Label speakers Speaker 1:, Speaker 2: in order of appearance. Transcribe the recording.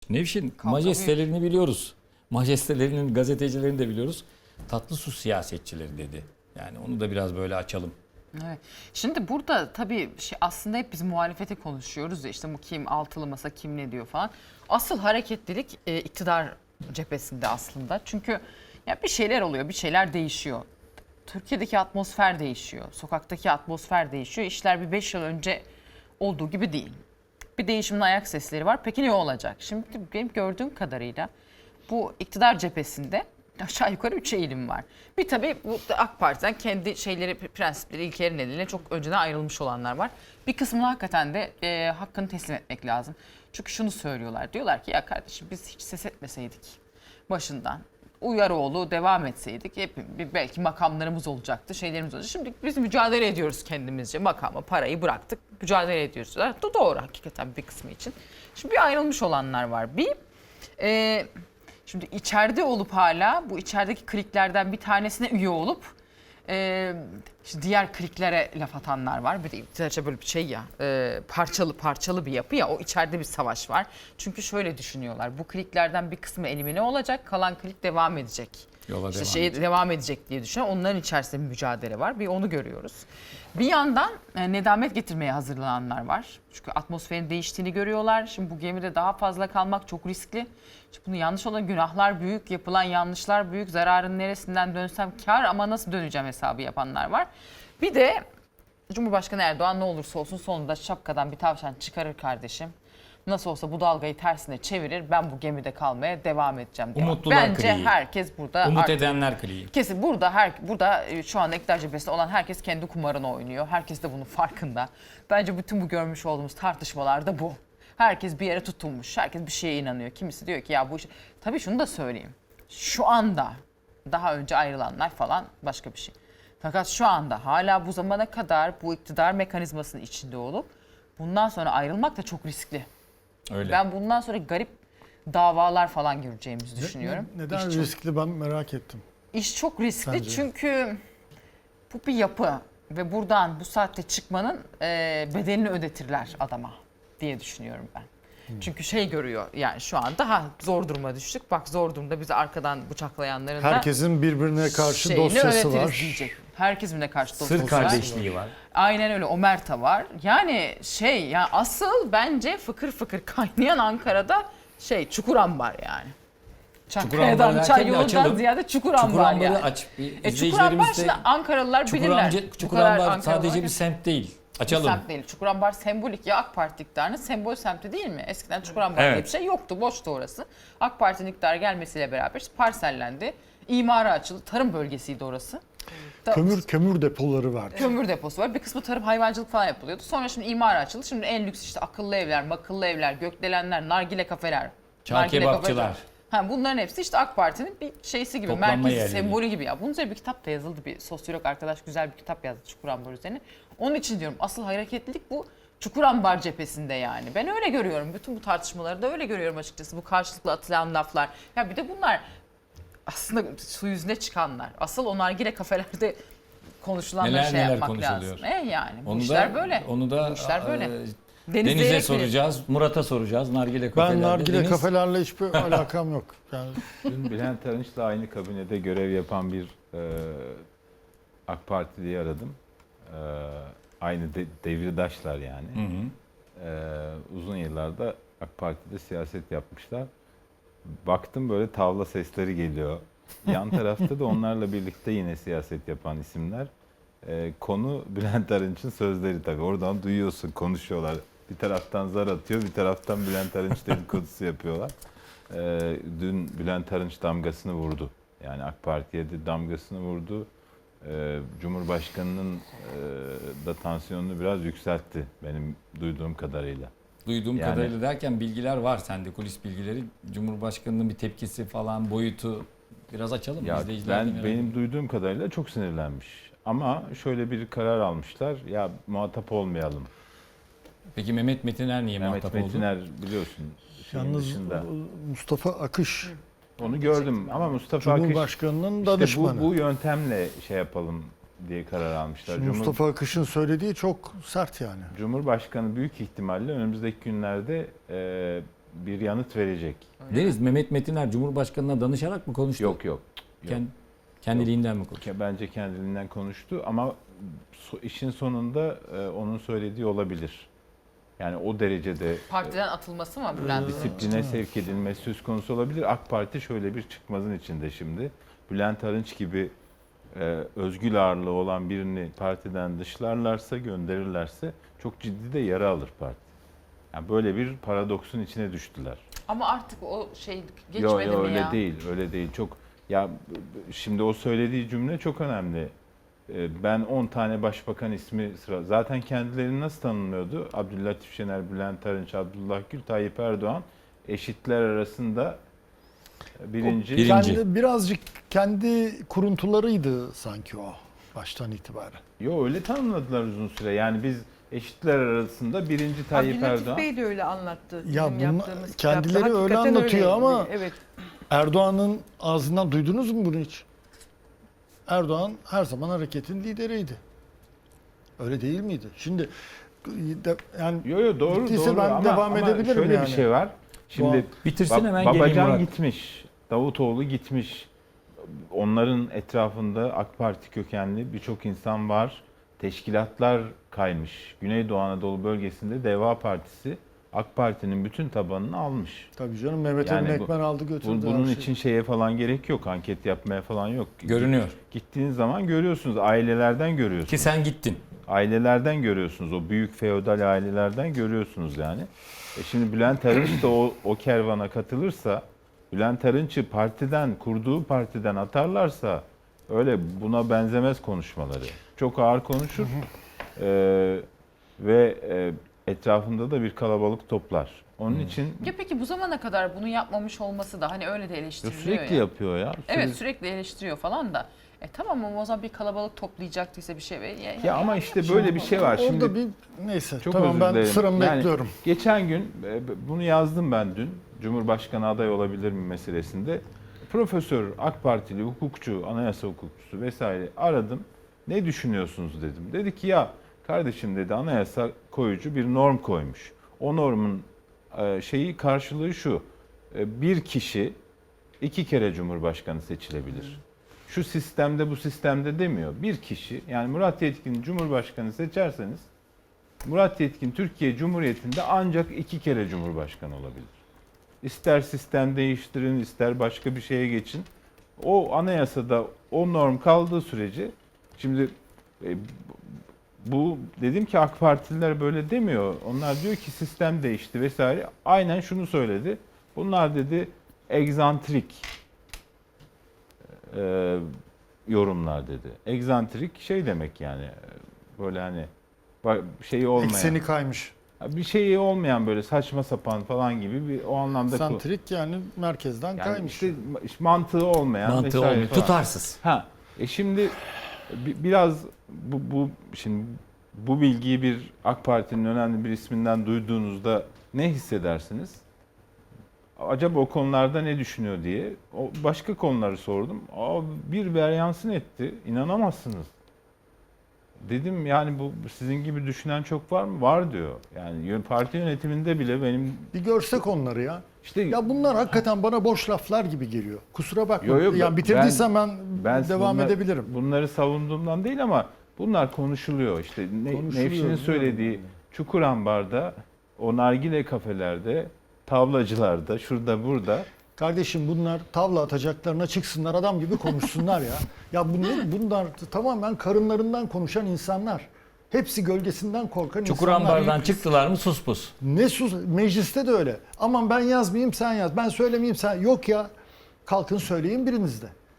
Speaker 1: Nevşin majestelerini biliyoruz. Majestelerinin gazetecilerini de biliyoruz. Tatlı su siyasetçileri dedi. Yani onu da biraz böyle açalım.
Speaker 2: Evet. Şimdi burada tabii aslında hep biz muhalefeti konuşuyoruz ya, işte bu kim altılı masa, kim ne diyor falan. Asıl hareketlilik iktidar cephesinde aslında. Çünkü ya bir şeyler oluyor, bir şeyler değişiyor. Türkiye'deki atmosfer değişiyor. Sokaktaki atmosfer değişiyor. İşler bir 5 yıl önce olduğu gibi değil. Bir değişimin ayak sesleri var. Peki ne olacak? Şimdi benim gördüğüm kadarıyla bu iktidar cephesinde aşağı yukarı 3 eğilim var. Bir tabii bu AK Parti'den kendi şeyleri, prensipleri, ilkeleri nedeniyle çok önceden ayrılmış olanlar var. Bir kısmını hakikaten de hakkını teslim etmek lazım. Çünkü şunu söylüyorlar. Diyorlar ki ya kardeşim biz hiç ses etmeseydik başından. Uyaroğlu devam etseydik hep belki makamlarımız olacaktı, şeylerimiz olacaktı. Şimdi biz mücadele ediyoruz kendimizce. Makamı, parayı bıraktık, mücadele ediyoruz. Doğru hakikaten bir kısmı için. Şimdi bir ayrılmış olanlar var. Şimdi içeride olup hala bu içerideki kliklerden bir tanesine üye olup işte diğer kliklere laf atanlar var. Bir de iktidarca böyle bir şey ya, parçalı bir yapı ya, o içeride bir savaş var. Çünkü şöyle düşünüyorlar, bu kliklerden bir kısmı elimine olacak, kalan klik devam edecek.
Speaker 1: Yola
Speaker 2: Devam edecek diye düşünüyor. Onların içerisinde bir mücadele var. Bir onu görüyoruz. Bir yandan nedamet getirmeye hazırlananlar var. Çünkü atmosferin değiştiğini görüyorlar. Şimdi bu gemide daha fazla kalmak çok riskli. Şimdi bunu yanlış olan günahlar büyük, yapılan yanlışlar büyük. Zararın neresinden dönsem kar ama nasıl döneceğim hesabı yapanlar var. Bir de Cumhurbaşkanı Erdoğan ne olursa olsun sonunda şapkadan bir tavşan çıkarır kardeşim. Nasıl olsa bu dalgayı tersine çevirir. Ben bu gemide kalmaya devam edeceğim diye. Bence kliği. Herkes burada
Speaker 1: umut edenler kliği.
Speaker 2: Kesin burada şu anda iktidar cephesinde olan herkes kendi kumarını oynuyor. Herkes de bunun farkında. Bence bütün bu görmüş olduğumuz tartışmalarda bu. Herkes bir yere tutunmuş. Herkes bir şeye inanıyor. Kimisi diyor ki ya bu iş... Tabii şunu da söyleyeyim. Şu anda daha önce ayrılanlar falan başka bir şey. Fakat şu anda hala bu zamana kadar bu iktidar mekanizmasının içinde olup bundan sonra ayrılmak da çok riskli.
Speaker 1: Öyle.
Speaker 2: Ben bundan sonra garip davalar falan göreceğimizi düşünüyorum.
Speaker 3: Neden riskli ben merak ettim.
Speaker 2: İş çok riskli
Speaker 3: Sence?
Speaker 2: çünkü bu bir yapı ve buradan bu saatte çıkmanın bedelini ödetirler adama diye düşünüyorum ben. Çünkü şey görüyor yani şu an daha zor duruma düştük. Bak zor durumda bizi arkadan bıçaklayanların da
Speaker 3: herkesin birbirine karşı dosyası var.
Speaker 2: Diyecek. Herkes birbirine karşı dosyası
Speaker 1: Sır kardeşliği var.
Speaker 2: Aynen öyle, omerta var. Yani asıl bence fıkır fıkır kaynayan Ankara'da Çukurambar yani. Çankaya'dan çay yolundan ziyade Çukurambar yani.
Speaker 1: Aç.
Speaker 2: Çukurambar şimdi Ankaralılar bilirler.
Speaker 1: Çukurambar sadece bir semt değil. Açalım.
Speaker 2: Bir semt değil. Çukurambar sembolik ya, AK Parti iktidarının sembol semti değil mi? Eskiden Çukurambar diye bir şey yoktu. Boştu orası. AK Parti'nin iktidara gelmesiyle beraber parsellendi. İmara açıldı. Tarım bölgesiydi orası.
Speaker 3: Kömür depoları vardı.
Speaker 2: Kömür deposu var. Bir kısmı tarım, hayvancılık falan yapılıyordu. Sonra şimdi imara açıldı. Şimdi en lüks işte akıllı evler, makıllı evler, gökdelenler, nargile kafeler.
Speaker 1: Çağ kebapçılar.
Speaker 2: Bunların hepsi işte AK Parti'nin bir şeysi gibi,
Speaker 1: toplanma
Speaker 2: merkezi,
Speaker 1: yerleri.
Speaker 2: sembolü gibi ya. Bunun üzerine bir kitap da yazıldı. Bir sosyolog arkadaş güzel bir kitap yazdı Çukurambar üzerine. Onun için diyorum asıl hareketlilik bu Çukurambar cephesinde yani. Ben öyle görüyorum. Bütün bu tartışmaları da öyle görüyorum açıkçası. Bu karşılıklı atılan laflar. Ya bir de bunlar aslında su yüzüne çıkanlar. Asıl o nargile kafelerde konuşulanları yapmak lazım. Yani bu işler böyle.
Speaker 1: Onu da
Speaker 2: bu işler böyle.
Speaker 1: Deniz'e soracağız, Murat'a soracağız. Nargile kafelerde.
Speaker 3: Ben nargile kafelerle hiçbir alakam yok. Yani.
Speaker 4: Dün Bülent Arınç'la aynı kabinede görev yapan bir AK Partili'yi aradım. Aynı devirdaşlar yani. Uzun yıllarda AK Parti'de siyaset yapmışlar. Baktım böyle tavla sesleri geliyor. Yan tarafta da onlarla birlikte yine siyaset yapan isimler. Konu Bülent Arınç'ın sözleri tabii. Oradan duyuyorsun, konuşuyorlar. Bir taraftan zar atıyor, bir taraftan Bülent Arınç dedikodusu yapıyorlar. Dün Bülent Arınç damgasını vurdu. Yani AK Parti'ye de damgasını vurdu. Cumhurbaşkanının da tansiyonunu biraz yükseltti benim duyduğum kadarıyla.
Speaker 1: Kadarıyla derken bilgiler var sende, kulis bilgileri. Cumhurbaşkanının bir tepkisi falan, boyutu biraz açalım.
Speaker 4: Ya benim duyduğum kadarıyla çok sinirlenmiş. Ama şöyle bir karar almışlar. Ya muhatap olmayalım.
Speaker 1: Peki Mehmet Metiner niye muhatap oldu?
Speaker 4: Mehmet Metiner biliyorsun.
Speaker 3: Yalnız
Speaker 4: dışında.
Speaker 3: Mustafa Akış.
Speaker 4: Onu gördüm ama Mustafa Akış
Speaker 3: Cumhurbaşkanının danışmanı.
Speaker 4: İşte bu yöntemle yapalım diye karar almışlar.
Speaker 3: Mustafa Akış'ın söylediği çok sert yani.
Speaker 4: Cumhurbaşkanı büyük ihtimalle önümüzdeki günlerde bir yanıt verecek.
Speaker 1: Deniz, Mehmet Metiner Cumhurbaşkanı'na danışarak mı konuştu?
Speaker 4: Yok.
Speaker 1: Kendiliğinden mi konuştu?
Speaker 4: Bence kendiliğinden konuştu ama işin sonunda onun söylediği olabilir. Yani o derecede
Speaker 2: Partiden atılması mı Bülent?
Speaker 4: disipline sevk edilmesi söz konusu olabilir. AK Parti şöyle bir çıkmazın içinde şimdi. Bülent Arınç gibi özgül ağırlığı olan birini partiden dışlarlarsa, gönderirlerse çok ciddi de yara alır parti. Yani böyle bir paradoksun içine düştüler.
Speaker 2: Ama artık o şey geçmedi mi
Speaker 4: öyle
Speaker 2: ya?
Speaker 4: öyle değil. Çok ya şimdi o söylediği cümle çok önemli. Ben 10 tane başbakan ismi zaten kendilerini nasıl tanımlıyordu? Abdüllatif Şener, Bülent Arınç, Abdullah Gül, Tayyip Erdoğan eşitler arasında birinci.
Speaker 3: Birazcık kendi kuruntularıydı sanki o baştan itibaren.
Speaker 4: Yo, öyle tanımladılar uzun süre. Yani biz eşitler arasında birinci Tayyip
Speaker 5: Abdülatif
Speaker 4: Erdoğan.
Speaker 5: Bey de öyle anlattı.
Speaker 3: Ya
Speaker 5: Bizim
Speaker 3: bunlar-
Speaker 5: yaptığımız
Speaker 3: kendileri
Speaker 5: kitapta.
Speaker 3: öyle
Speaker 5: Hakikaten
Speaker 3: anlatıyor
Speaker 5: öyleydi.
Speaker 3: ama-
Speaker 5: Evet.
Speaker 3: Erdoğan'ın ağzından duydunuz mu bunu hiç? Erdoğan her zaman hareketin lideriydi. Öyle değil miydi? Şimdi yani
Speaker 4: Yo doğru
Speaker 3: bittiyse
Speaker 4: doğru
Speaker 3: ben devam
Speaker 4: ama
Speaker 3: edebilirim
Speaker 4: şöyle
Speaker 3: yani.
Speaker 4: bir şey var. Şimdi
Speaker 1: Bitirsin hemen geleyim
Speaker 4: Babacan
Speaker 1: Murat.
Speaker 4: gitmiş. Davutoğlu gitmiş. Onların etrafında AK Parti kökenli birçok insan var. Teşkilatlar kaymış. Güneydoğu Anadolu bölgesinde Deva Partisi AK Parti'nin bütün tabanını almış.
Speaker 3: tabii canım Mehmet
Speaker 4: Yani
Speaker 3: Emin Ekmen aldı götürdü.
Speaker 4: Bunun
Speaker 3: her şeyi.
Speaker 4: için şeye falan gerek yok. Anket yapmaya falan yok.
Speaker 1: Görünüyor.
Speaker 4: Gittiğiniz zaman görüyorsunuz. Ailelerden görüyorsunuz.
Speaker 1: Ki sen gittin.
Speaker 4: Ailelerden görüyorsunuz. O büyük feodal ailelerden görüyorsunuz yani. Şimdi Bülent Arınç da o kervana katılırsa, Bülent Arınç'ı kurduğu partiden atarlarsa öyle buna benzemez konuşmaları. Çok ağır konuşur ve etrafında da bir kalabalık toplar. Onun için
Speaker 2: Ya peki bu zamana kadar bunu yapmamış olması da hani öyle de eleştiriliyor
Speaker 4: sürekli
Speaker 2: ya.
Speaker 4: yapıyor ya.
Speaker 2: Evet, sürekli eleştiriyor falan da. Tamam ama o zaman bir kalabalık toplayacaktıysa bir şey.
Speaker 4: Ya ama işte böyle bir şey var.
Speaker 3: Orada
Speaker 4: Şimdi
Speaker 3: bir neyse
Speaker 4: çok
Speaker 3: tamam
Speaker 4: özür
Speaker 3: ben
Speaker 4: dilerim.
Speaker 3: sıramı
Speaker 4: Yani
Speaker 3: bekliyorum.
Speaker 4: Geçen gün bunu yazdım ben dün. Cumhurbaşkanı aday olabilir mi meselesinde. Profesör, AK Partili, hukukçu, anayasa hukukçusu vesaire aradım. Ne düşünüyorsunuz dedim. Dedi ki ya kardeşim dedi, anayasa koyucu bir norm koymuş. O normun karşılığı şu. Bir kişi 2 kere Cumhurbaşkanı seçilebilir. Şu sistemde bu sistemde demiyor. Bir kişi, yani Murat Yetkin Cumhurbaşkanı seçerseniz Murat Yetkin Türkiye Cumhuriyeti'nde ancak 2 kere Cumhurbaşkanı olabilir. İster sistem değiştirin, ister başka bir şeye geçin. O anayasada o norm kaldığı sürece, şimdi bu dedim ki AK Partililer böyle demiyor. Onlar diyor ki sistem değişti vesaire. Aynen şunu söyledi. Bunlar dedi egzantrik yorumlar dedi. Egzantrik şey demek yani, böyle hani şeyi olmayan.
Speaker 3: Ekseni kaymış.
Speaker 4: Bir şeyi olmayan, böyle saçma sapan falan gibi bir o anlamda
Speaker 3: Santrik yani merkezden
Speaker 4: yani
Speaker 3: kaymış.
Speaker 4: işte mantığı olmayan
Speaker 1: Mantığı
Speaker 4: vesaire
Speaker 1: olmuyor.
Speaker 4: falan.
Speaker 1: Tutarsız.
Speaker 4: Şimdi biraz şimdi bu bilgiyi bir AK Parti'nin önemli bir isminden duyduğunuzda ne hissedersiniz? Acaba o konularda ne düşünüyor diye. O başka konuları sordum. Bir beryansın etti. İnanamazsınız. Dedim yani bu sizin gibi düşünen çok var mı? Var diyor. Yani parti yönetiminde bile benim
Speaker 3: Bir görsek onları ya.
Speaker 4: işte
Speaker 3: Ya bunlar hakikaten bana boş laflar gibi geliyor. Kusura bakma.
Speaker 4: Yo,
Speaker 3: Yani bitirdiysen ben devam
Speaker 4: bunlar-
Speaker 3: edebilirim.
Speaker 4: Bunları savunduğumdan değil ama bunlar konuşuluyor. İşte
Speaker 3: Konuşuluyor,
Speaker 4: Nevşin'in
Speaker 3: biliyorum
Speaker 4: söylediği
Speaker 3: yani.
Speaker 4: Çukurambar'da, o nargile kafelerde, tavlacılarda, şurada burada.
Speaker 3: Kardeşim bunlar tavla atacaklarına çıksınlar adam gibi konuşsunlar ya. Ya bunlar tamamen karınlarından konuşan insanlar. Hepsi gölgesinden korkan
Speaker 1: Çukurambar'dan
Speaker 3: insanlar.
Speaker 1: çıktılar mı sus pus.
Speaker 3: Ne sus, mecliste de öyle. Aman ben yazmayayım sen yaz, ben söylemeyeyim sen. Yok ya, kalkın söyleyin biriniz de.